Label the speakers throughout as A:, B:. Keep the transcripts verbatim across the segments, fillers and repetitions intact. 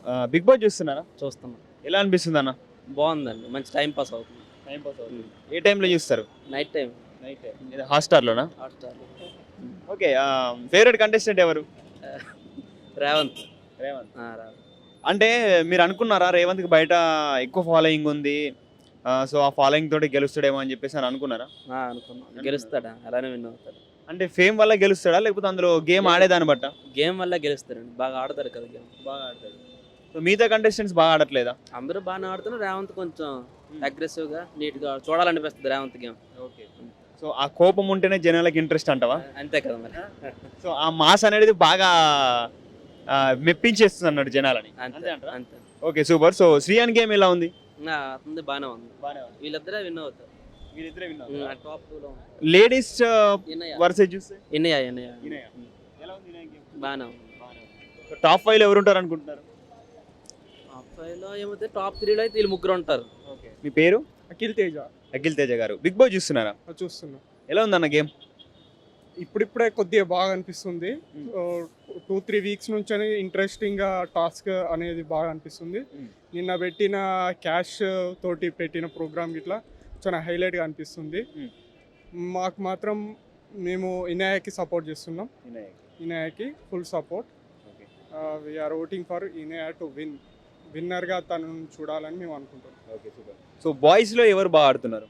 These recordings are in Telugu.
A: బిగ్ బాస్ చూస్తున్నారా?
B: చూస్తున్నాం.
A: ఎలా అనిపిస్తుంది అన్న?
B: బాగుందండి, మంచి టైం పాస్ అవుతుంది.
A: టైం పాస్ అవుతుంది. ఏ టైంలో చూస్తారు?
B: Night time.
A: నైట్ టైం హాట్స్టార్లోనా?
B: హాట్స్టార్.
A: ఓకే. ఫేవరెట్ కంటెస్టెంట్ ఎవరు?
B: రేవంత్.
A: రేవంత్.
B: ఆ, రేవంత్.
A: అంటే మీరు అనుకున్నారా రేవంత్కి బయట ఎక్కువ ఫాలోయింగ్ ఉంది, సో ఆ ఫాలోయింగ్ తోటి గెలుస్తాడేమో అని చెప్పేసి అని అనుకున్నారా?
B: ఆ, అనుకున్నాం. గెలుస్తాడా, అలానే విన్ అవుతాడు.
A: అంటే ఫేమ్ వల్ల గెలుస్తాడా లేకపోతే అందులో గేమ్ ఆడేదాన్ని బట్ట?
B: గేమ్ వల్ల గెలుస్తారండి, బాగా ఆడతారు కదా గేమ్.
A: బాగా ఆడతాడు. సో మిగతా కంటెస్టెంట్స్ బాగా ఆడట్లేదా?
B: అందరూ బాగానే ఆడుతున్నారు. రేవంత్ కొంచెం అగ్రెసివ్ గా నీట్ గా చూడాలనిపిస్తుంది రేవంత్ గేమ్.
A: ఓకే. సో ఆ కోపం ఉంటేనే జనాలకు ఇంట్రెస్ట్ అంటావా?
B: అంతే కదా మరి.
A: సో ఆ మాస్ అనేది బాగా ఆ, మెప్పించేస్తుంది అన్నాడు జనాలని.
B: అంతే అంతే.
A: Okay, super. So Shrihan game ఎలా ఉంది?
B: ఆ, అతనిది బాగానే ఉంది. వీళ్ళిద్దరే విన్ అవుతారు.
A: వీళ్ళిద్దరే విన్
B: ఉమ్, ఆ టాప్ టూ లో
A: లేడీస్
B: ఇన్నయ్య.
A: వర్సెస్ చూస్తే
B: ఇన్నయ్య ఇన్నయ్య
A: ఎలా ఉంది ఇన్నయ్య గేమ్?
B: బాగానే ఉంది.
A: టాప్ ఫైవ్ లో ఎవరు ఉంటారు అనుకుంటున్నారు?
B: టాప్ ఫైవ్ లో ఏమైతే టాప్ త్రీలో అయితే వీళ్ళు ముగ్గురు ఉంటారు.
A: ఓకే. మీ పేరు?
C: అఖిల్ తేజ.
A: అఖిల్ తేజ గారు, బిగ్ బాస్ చూస్తున్నారా?
C: చూస్తున్నా.
A: ఎలా ఉందన్న గేమ్?
C: ఇప్పుడిప్పుడే కొద్దిగా బాగా అనిపిస్తుంది. టూ త్రీ వీక్స్ నుంచి ఇంట్రెస్టింగ్గా టాస్క్ అనేది బాగా అనిపిస్తుంది.
A: Hmm.
C: నిన్న పెట్టిన క్యాష్ తోటి పెట్టిన ప్రోగ్రామ్ ఇట్లా చాలా హైలైట్గా అనిపిస్తుంది.
A: Hmm.
C: మాకు మాత్రం మేము ఇనాయకి సపోర్ట్ చేస్తున్నాం. ఇనాయకి full support. We're voting for Inaya to win. విన్నర్గా తనను చూడాలని మేము అనుకుంటున్నాం.
A: Okay, super. సో బాయ్స్ లో ఎవరు బాగా ఆడుతున్నారు?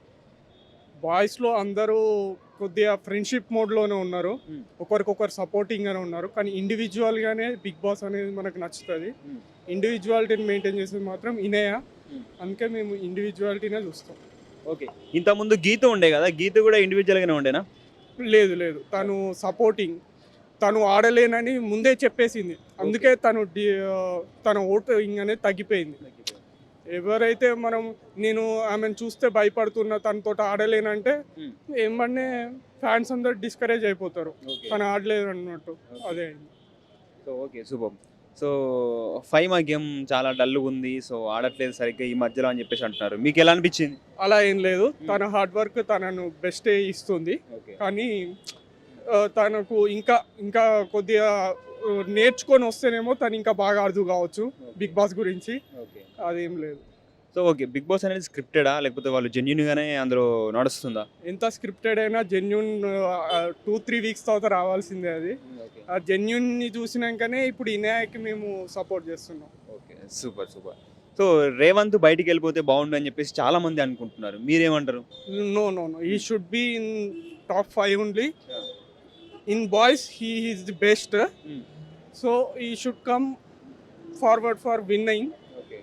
C: బాయ్స్లో అందరూ కొద్దిగా ఫ్రెండ్షిప్ మోడ్లోనే ఉన్నారు.
A: Hmm.
C: ఒకరికొకరు సపోర్టింగ్గానే ఉన్నారు. కానీ ఇండివిజువల్గానే బిగ్ బాస్ అనేది మనకు నచ్చుతుంది.
A: Hmm.
C: ఇండివిజువాలిటీని మెయింటైన్ చేసేది మాత్రం ఇనేయ.
A: Hmm.
C: అందుకే మేము ఇండివిజువాలిటీనే చూస్తాం.
A: ఓకే. ఇంతకుముందు గీత ఉండే కదా, గీత కూడా ఇండివిజువల్గానే ఉండేనా?
C: లేదు లేదు, తను సపోర్టింగ్. తను ఆడలేనని ముందే చెప్పేసింది. అందుకే తను డి తన ఓటింగ్ అనేది తగ్గిపోయింది. ఎవరైతే మనం నేను ఆమెను చూస్తే భయపడుతున్నా, తనతో ఆడలేనంటే
A: Hmm.
C: ఏమన్నా ఫ్యాన్స్ అందరు డిస్కరేజ్ అయిపోతారు. తను ఆడలేదు అన్నట్టు. అదే అయింది.
A: So okay, super. So Faima game చాలా డల్గా ఉంది, సో ఆడట్లేదు సరిగ్గా ఈ మధ్యలో అని చెప్పేసి అంటున్నారు. మీకు ఎలా అనిపించింది?
C: అలా ఏం లేదు, తన హార్డ్ వర్క్ తనను బెస్టే ఇస్తుంది.
A: ఓకే.
C: కానీ ఆ, తనకు ఇంకా ఇంకా కొద్దిగా ఆ, నేర్చుకొని వస్తేనేమో తను ఇంకా బాగా అర్థం కావచ్చు బిగ్ బాస్ గురించి.
A: ఓకే.
C: అదేం లేదు.
A: సో ఓకే, బిగ్ బాస్ అనేది స్క్రిప్టెడా లేకపోతే వాళ్ళు జెన్యున్ గానే అందులో నడుస్తుందా?
C: ఎంత స్క్రిప్టెడ్ అయినా జెన్యున్ టూ త్రీ వీక్స్ తర్వాత రావాల్సిందే అది.
A: ఓకే.
C: ఆ జెన్యున్ని చూసినాకనే ఇప్పుడు ఇనాయకి మేము సపోర్ట్ చేస్తున్నాం.
A: Okay, super super. So Revanth బయటికి వెళ్ళిపోతే బాగుండు అని చెప్పేసి చాలా మంది అనుకుంటున్నారు, మీరేమంటారు?
C: No no no he should be in top five only. In boys he is the best. So he should come forward for winning.
A: Okay,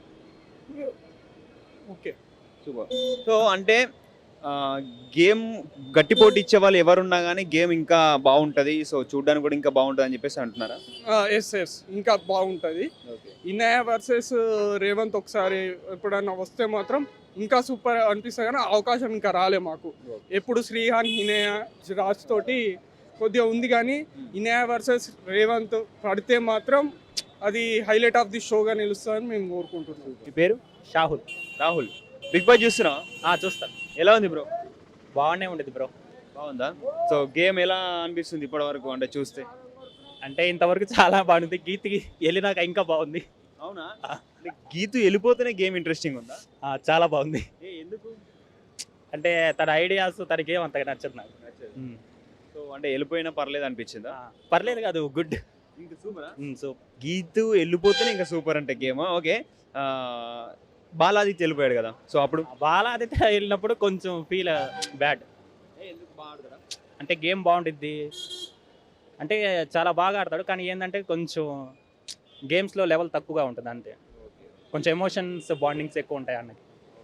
C: okay,
A: super. So అంటే గేమ్ గట్టి పోటీ ఇచ్చే వాళ్ళు ఎవరున్నా కానీ గేమ్ ఇంకా బాగుంటుంది, సో చూడడానికి కూడా ఇంకా బాగుంటుంది అని చెప్పేసి అంటున్నారా?
C: ఎస్ ఎస్ ఇంకా బాగుంటుంది.
A: ఓకే.
C: ఇన్నయ వర్సెస్ రేవంత్ ఒకసారి ఎప్పుడన్నా వస్తే మాత్రం ఇంకా సూపర్ అనిపిస్తుంది. కానీ అవకాశం ఇంకా రాలే మాకు. ఎప్పుడు శ్రీహాన్ ఇనయ రాజ్ తోటి కొద్దిగా ఉంది, కానీ ఇనయ వర్సెస్ రేవంత్ పడితే మాత్రం అది హైలైట్ ఆఫ్ ది షోగా నిలుస్తుందని మేము కోరుకుంటున్నాం.
A: మీ పేరు?
D: షాహుల్.
A: రాహుల్, బిగ్ బాస్ చూస్తున్నావా?
D: చూస్తాను.
A: ఎలా ఉంది బ్రో?
D: బాగానే ఉండేది బ్రో.
A: బాగుందా? సో గేమ్ ఎలా అనిపిస్తుంది ఇప్పటి వరకు అంటే చూస్తే?
D: అంటే ఇంతవరకు చాలా బాగుంది. గీతికి వెళ్ళినాక ఇంకా బాగుంది.
A: అవునా? అంటే గీతు వెళ్ళిపోతేనే గేమ్ ఇంట్రెస్టింగ్ ఉందా?
D: ఆ, చాలా బాగుంది.
A: ఏ ఎందుకు?
D: అంటే తన ఐడియాస్ తన గేమ్ అంతగా నచ్చదు నాకు. ఉమ్.
A: సో అంటే వెళ్ళిపోయినా పర్లేదు అనిపించిందా?
D: ఆ, పర్లేదు కాదు, గుడ్.
A: ఇంకా సూపర్.
D: సో
A: గీతు వెళ్ళిపోతేనే ఇంకా సూపర్ అంటే గేమ్. ఓకే. బాలాదిత్య వెళ్ళిపోయాడు కదా, సో అప్పుడు
D: బాలాదిత్య వెళ్ళినప్పుడు కొంచెం ఫీల్ బ్యాడ్.
A: ఎందుకు బాగా?
D: అంటే గేమ్ బాగుంటుంది, అంటే చాలా బాగా ఆడతాడు, కానీ ఏంటంటే కొంచెం గేమ్స్లో లెవెల్ తక్కువగా ఉంటుంది అంతే. కొంచెం ఎమోషన్స్ బాండింగ్స్ ఎక్కువ ఉంటాయి అన్నకి.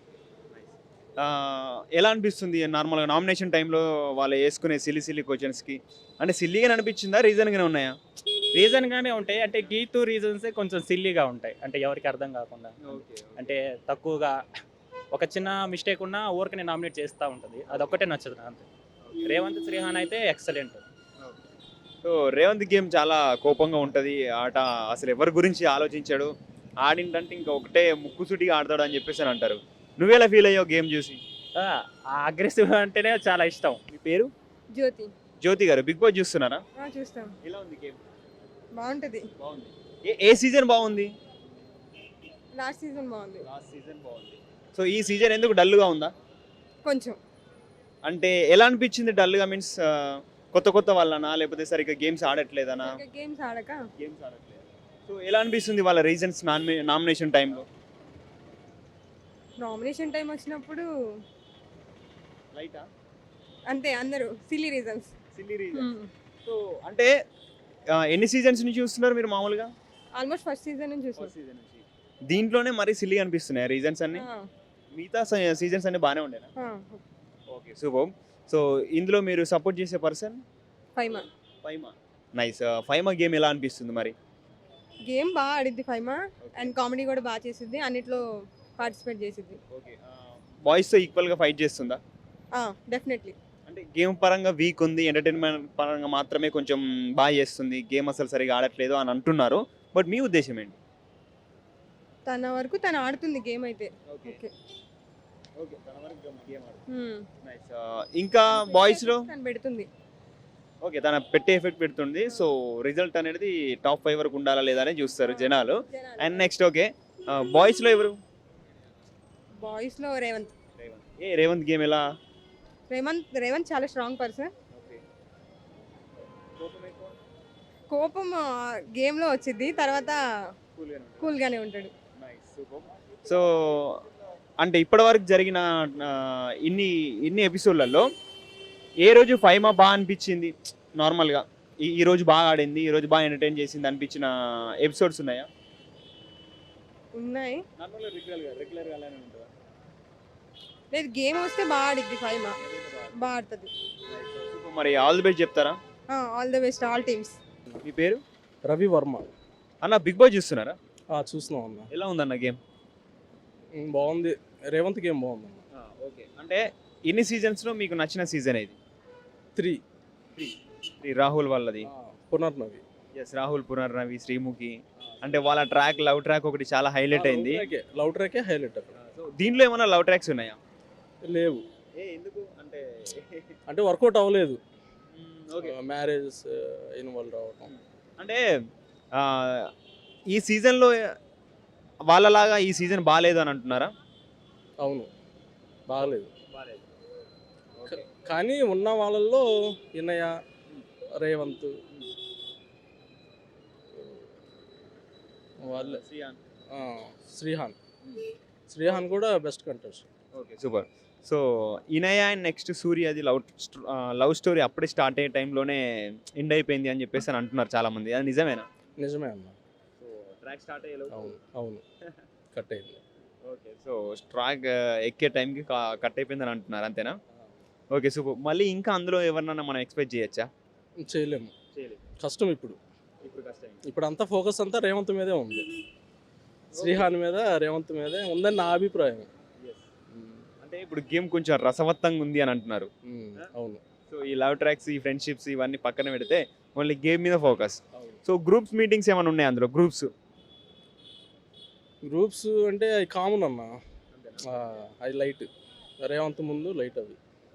A: ఎలా అనిపిస్తుంది నార్మల్గా నామినేషన్ టైంలో వాళ్ళు వేసుకునే సిల్లి సిల్లి క్వశ్చన్స్కి? అంటే సిల్లీగానే అనిపించిందా, రీజన్గానే ఉన్నాయా?
D: రీజన్గానే ఉంటాయి. అంటే గీతు రీజన్సే కొంచెం సిల్లీగా ఉంటాయి, అంటే ఎవరికి అర్థం కాకుండా. అంటే తక్కువగా ఒక చిన్న మిస్టేక్ ఉన్నా ఊరికనే నామినేట్ చేస్తూ ఉంటుంది, అదొక్కటే నచ్చదు అంతే. రేవంత్ శ్రీహాన్ అయితే ఎక్సలెంట్.
A: సో రేవంత్ గేమ్ చాలా కోపంగా ఉంటుంది, ఆట అసలు ఎవరి గురించి ఆలోచించాడు, ఆడిందంటే ఇంకా ఒకటే ముక్కుసూటిగా ఆడతాడు అని చెప్పేసి అని అంటారు. నువ్వెలా ఫీల్ అయ్యావు గేమ్ చూసి?
D: అగ్రెసివ్ అంటేనే చాలా ఇష్టం.
A: మీ పేరు?
E: జ్యోతి.
A: జ్యోతి గారు, బిగ్ బాస్ చూస్తున్నారా?
E: చూస్తాం.
A: ఎలా ఉంది గేమ్?
E: బాగుంటది.
A: బాగుంది. ఏ ఏ సీజన్ బాగుంది?
E: లాస్ట్ సీజన్ బాగుంది.
A: లాస్ట్ సీజన్ బాగుంది. సో ఈ సీజన్ ఎందుకు డల్గా ఉందా?
E: కొంచెం
A: అంటే ఎలా అనిపించింది డల్గా? మీన్స్ కొత్త కొత్త వాళ్ళనా, లేకపోతే సరిగ్గా గేమ్స్ ఆడట్లేదనా?
E: గేమ్స్ ఆడక
A: గేమ్స్ ఆడట్లేదు. సో ఎలా అనిపిస్తుంది వాళ్ళ రీజన్స్ నామినేషన్ టైంలో?
E: నామినేషన్ టైం వచ్చినప్పుడు
A: లైటా
E: అంతే, అందరూ silly reasons.
A: Silly reason. So అంటే ఆ, ఎన్ని సీజన్స్ నుంచి చూస్తున్నారు మీరు మామూలుగా?
E: ఆల్మోస్ట్ ఫస్ట్ సీజన్ నుంచి చూసాం.
A: సీజన్ నుంచి. దీంట్లోనే మరీ సిల్లీ అనిపిస్తున్నాయి రీజన్స్ అన్ని. మిగతా సీజన్స్ అన్ని బాగానే ఉండేనా? Okay super. సో ఇందులో మీరు సపోర్ట్ చేసే person?
E: Faima.
A: Faima. Nice. Faima game ఎలా అనిపిస్తుంది మరి?
E: గేమ్ బాగా ఆడిద్ది ఫైమా, అండ్ కామెడీ కూడా బాగా చేసిద్ది, అన్నిట్లో పార్టిసిపేట్ చేసిద్ది.
A: ఓకే. బాయ్స్తో ఈక్వల్గా ఫైట్ చేస్తుందా?
E: డెఫినెట్లీ.
A: అంటే గేమ్ పరంగా వీక్ ఉంది, ఎంటర్టైన్మెంట్ పరంగా మాత్రమే కొంచెం బాగా చేస్తుంది, గేమ్ అసలు సరిగా ఆడట్లేదు అని అంటున్నారు. బట్ మీ ఉద్దేశం ఏంటి?
E: తన వరకు తను ఆడుతుంది గేమ్ అయితే.
A: ఓకే.
E: ఓకే.
A: ఓకే తన వరకు గేమ్ ఆడుతుంది.
E: Hmm.
A: నైస్. ఇంకా బాయ్స్లో
E: తను పెడుతుంది.
A: ఓకే తన పెట్టే ఎఫెక్ట్ పెడుతుంది. సో రిజల్ట్ అనేది టాప్ ఫైవ్ వరకు ఉండాలా లేదా అని చూస్తారు జనాలు. అండ్ నెక్స్ట్ ఓకే బాయ్స్లో ఎవరు?
E: బాయ్స్ లో రేవంత్.
A: ఏ రేవంత్ గేమ్ ఎలా?
E: రేవంత్ రేవంత్ చాలా స్ట్రాంగ్ పర్సన్. కోపం గేమ్ లో వచ్చింది, తర్వాత కూల్ గానే ఉంటాడు.
A: సో అంటే ఇప్పటివరకు జరిగిన ఆ, ఇన్ని ఇన్ని ఎపిసోడ్లలో ఏ రోజు ఫైమా బాగా అనిపించింది నార్మల్గా? ఈ ఈ రోజు బాగా ఆడింది, ఈ రోజు బాగా ఎంటర్టైన్ చేసింది అనిపించిన ఎపిసోడ్స్ ఉన్నాయా?
E: ఉన్నాయి.
A: నార్మల్గా రెగ్యులర్గా రెగ్యులర్గా అలానే ఉంటుందా?
E: లేదు, గేమ్ వస్తే బాగా ఆడిద్ది ఫైమా, బాగా ఆడుతుంది.
A: మరి ఆల్ ది బెస్ట్ చెప్తారా?
E: All the best all teams.
A: మీ పేరు?
F: రవి వర్మ.
A: అన్న బిగ్ బాస్ చూస్తున్నారా?
F: ఆ, చూస్తున్నాం అన్న.
A: ఎలా ఉందన్న గేమ్?
F: ఉమ్, బాగుంది. రేవంత్ గేమ్ బాగుంది అన్న.
A: ఓకే. అంటే ఇన్ని సీజన్స్లో మీకు నచ్చిన సీజన్ ఇది?
F: త్రీ.
A: శ్రీ రాహుల్ వాళ్ళది.
F: ఆ, పునర్నవి.
A: ఎస్ రాహుల్, పునర్నవి, శ్రీముఖి. అంటే వాళ్ళ ట్రాక్ లవ్ ట్రాక్ ఒకటి చాలా హైలైట్ అయింది.
F: లవ్ ట్రాకే హైలైట్ అక్కడ.
A: సో దీంట్లో ఏమైనా లవ్ ట్రాక్స్ ఉన్నాయా?
F: లేవు.
A: ఏ ఎందుకు అంటే?
F: అంటే వర్కౌట్ అవ్వలేదు.
A: ఓకే.
F: మ్యారేజ్ ఇన్వాల్వ్ అవడం.
A: అంటే ఆ, ఈ సీజన్లో వాళ్ళలాగా ఈ సీజన్ బాగాలేదు అని అంటున్నారా?
F: అవును, బాగలేదు. కానీ ఉన్న వాళ్ళల్లో ఇన్నయ్య, రేవంత్ వాళ్ళ ఆ, శ్రీహాన్ శ్రీహాన్ కూడా best contest.
A: Okay super. So Inaya and next Surya అది లవ్ లవ్ స్టోరీ అప్పుడే స్టార్ట్ అయ్యే టైంలోనే ఎండ్ అయిపోయింది అని చెప్పేసి అని అంటున్నారు చాలా మంది. అది నిజమేనా?
F: నిజమే అన్న.
A: సో ట్రాక్ స్టార్ట్ అయ్యే
F: అవును అవును కట్ అయింది.
A: ఓకే. సో ట్రాక్ ఎక్కే టైంకి కట్ అయిపోయింది అని అంటున్నారు, అంతేనా? Okay super. మళ్ళీ ఇంకా అందులో ఎవరినైనా మనం ఎక్స్పెక్ట్ చేయొచ్చా?
F: చేయలేము,
A: చేయలేదు.
F: కష్టం. ఇప్పుడు
A: ఇప్పుడు కష్టం.
F: ఇప్పుడు అంతా ఫోకస్ అంతా రేవంత్ మీదే ఉంది. శ్రీహాన్ మీద, రేవంత్ మీదే ఉందని నా అభిప్రాయం.
A: అంటే ఇప్పుడు గేమ్ కొంచెం రసవత్తంగా ఉంది అని అంటున్నారు.
F: ఉమ్, అవును.
A: సో ఈ లవ్ ట్రాక్స్, ఈ ఫ్రెండ్షిప్స్ ఇవన్నీ పక్కన పెడితే ఓన్లీ గేమ్ మీద ఫోకస్.
F: అవును.
A: సో గ్రూప్స్ మీటింగ్స్ ఏమైనా ఉన్నాయి అందులో? గ్రూప్స్
F: గ్రూప్స్ అంటే అవి కామన్ అన్న. అది లైట్. రేవంత్ ముందు లైట్ అవి.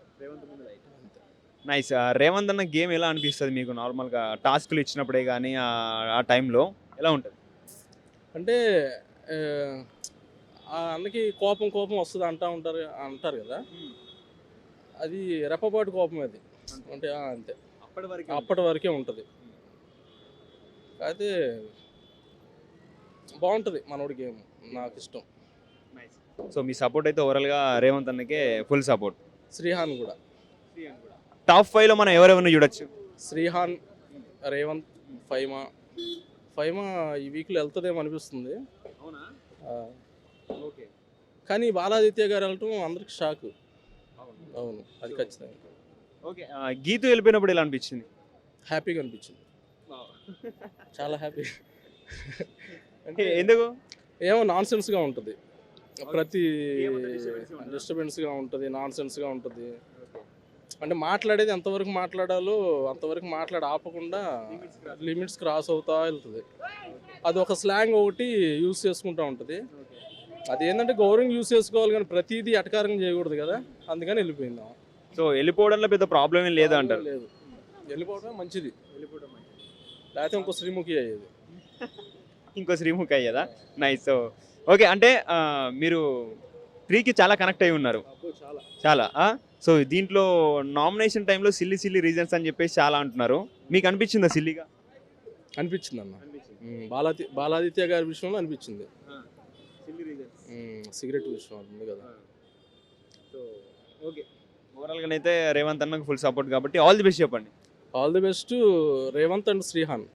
A: నైస్. రేవంత్ అన్న గేమ్ ఎలా అనిపిస్తుంది మీకు నార్మల్గా? టాస్క్లు ఇచ్చినప్పుడే కానీ ఆ టైంలో ఎలా ఉంటుంది?
F: అంటే ఆ, ఆ అన్నకి కోపం కోపం వస్తుంది అంటా ఉంటారు అంటారు కదా, అది రెప్పపాటు కోపం అది. అంటే ఆ, అంతే,
A: అప్పటి వరకు
F: అప్పటి వరకే ఉంటుంది. అయితే బాగుంటుంది మనోడి గేమ్, నాకు ఇష్టం.
A: సో మీ సపోర్ట్ అయితే ఓవరాల్గా రేవంత్ అన్నకే ఫుల్ సపోర్ట్.
F: శ్రీహాన్ కూడా.
A: టాప్ ఫైవ్లో మనం ఎవరెవరిని చూడొచ్చు?
F: శ్రీహాన్, రేవంత్, ఫైమా. ఫైమా ఈ వీక్లో వెళ్తుందేమో అనిపిస్తుంది.
A: అవునా?
F: ఆ,
A: ఓకే.
F: కానీ బాలాదిత్య గారు వెళ్ళటం అందరికి షాక్. అవును, అది ఖచ్చితంగా.
A: ఓకే. గీతు వెళ్ళిపోయినప్పుడు ఎలా అనిపించింది?
F: హ్యాపీగా అనిపించింది, చాలా హ్యాపీ.
A: అంటే ఎందుకు?
F: ఏమో నాన్ సెన్స్గా ఉంటుంది, ప్రతి డిస్టర్బెన్స్గా ఉంటుంది, నాన్ సెన్స్గా ఉంటుంది. అంటే మాట్లాడేది ఎంతవరకు మాట్లాడాలో అంతవరకు మాట్లాడి ఆపకుండా లిమిట్స్ క్రాస్ అవుతా వెళ్తుంది. అది ఒక స్లాంగ్ ఒకటి యూస్ చేసుకుంటూ ఉంటుంది. అదేంటంటే గౌరవం యూస్ చేసుకోవాలి, కానీ ప్రతిదీ అటకారంగా చేయకూడదు కదా, అందుకని వెళ్ళిపోయింది.
A: సో వెళ్ళిపోవడంలో పెద్ద ప్రాబ్లం ఏం లేదు అంటారు?
F: లేదు, వెళ్ళిపోవడమే మంచిది. లేకపోతే ఇంకో శ్రీముఖి అయ్యేది.
A: ఇంకో శ్రీముఖి అయ్యేదా? నైస్. సో ఓకే, అంటే ఆ, మీరు త్రీకి చాలా కనెక్ట్ అయి ఉన్నారు
F: చాలా
A: చాలా. సో దీంట్లో నామినేషన్ టైంలో సిల్లీ సిల్లీ రీజన్స్ అని చెప్పేసి చాలా అంటున్నారు. మీకు అనిపించిందా సిల్లీగా?
F: అనిపించింది అన్న ఉమ్, బాలాది బాలాదిత్య గారి విషయంలో అనిపించింది. ఉమ్, సిగరెట్ విషయం ఉంది కదా.
A: సో ఓకే, ఓవరాల్గా అయితే రేవంత్ అన్నకు ఫుల్ సపోర్ట్ కాబట్టి ఆల్ ది బెస్ట్ చెప్పండి.
F: All the best Revanth and Shrihan.